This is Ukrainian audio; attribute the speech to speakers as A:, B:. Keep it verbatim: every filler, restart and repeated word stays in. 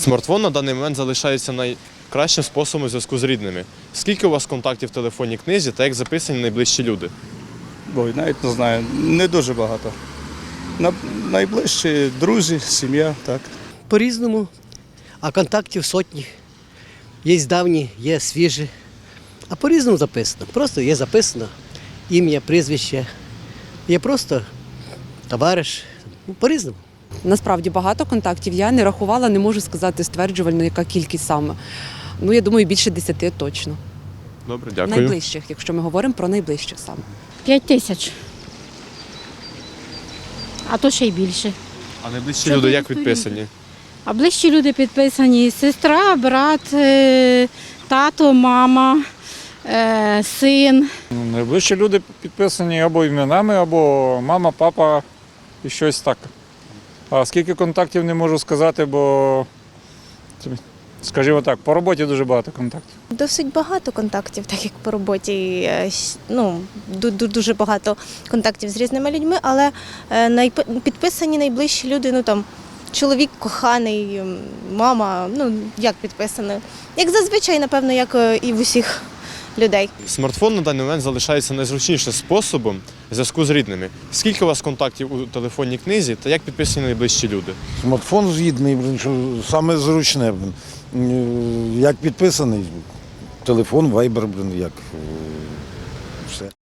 A: Смартфон на даний момент залишається найкращим способом зв'язку з рідними. Скільки у вас контактів в телефонній книзі та як записані найближчі люди?
B: Ой, навіть не знаю, не дуже багато. На, найближчі друзі, сім'я, так.
C: По-різному, а контактів сотні. Є давні, є свіжі. А по-різному записано. Просто є записано ім'я, прізвище. Є просто товариш. Ну, по-різному.
D: Насправді багато контактів. Я не рахувала, не можу сказати стверджувально, яка кількість саме. Ну, я думаю, більше десяти точно.
A: Добре, дякую.
D: Найближчих, якщо ми говоримо про найближчих саме.
E: П'ять тисяч. А то ще й більше.
A: А найближчі
E: Чотири
A: люди як
E: сторінки.
A: підписані?
E: А ближчі люди підписані: сестра, брат, е, тато, мама, е, син.
F: Найближчі люди підписані або іменами, або мама, папа і щось так. А скільки контактів не можу сказати, бо, скажімо так, по роботі дуже багато контактів.
G: Досить багато контактів, так як по роботі, е, с- ну, ду- ду- дуже багато контактів з різними людьми, але е, найп- підписані найближчі люди, ну там чоловік коханий, м, мама, ну як підписано. Як зазвичай, напевно, як е, і в усіх людей.
A: Смартфон на даний момент залишається найзручнішим способом зв'язку з рідними. Скільки у вас контактів у телефонній книзі та як підписані найближчі люди?
H: Смартфон згідний, блін, що саме зручне. Блін. Е, Як підписаний, телефон, вайбер, блін, як е, все.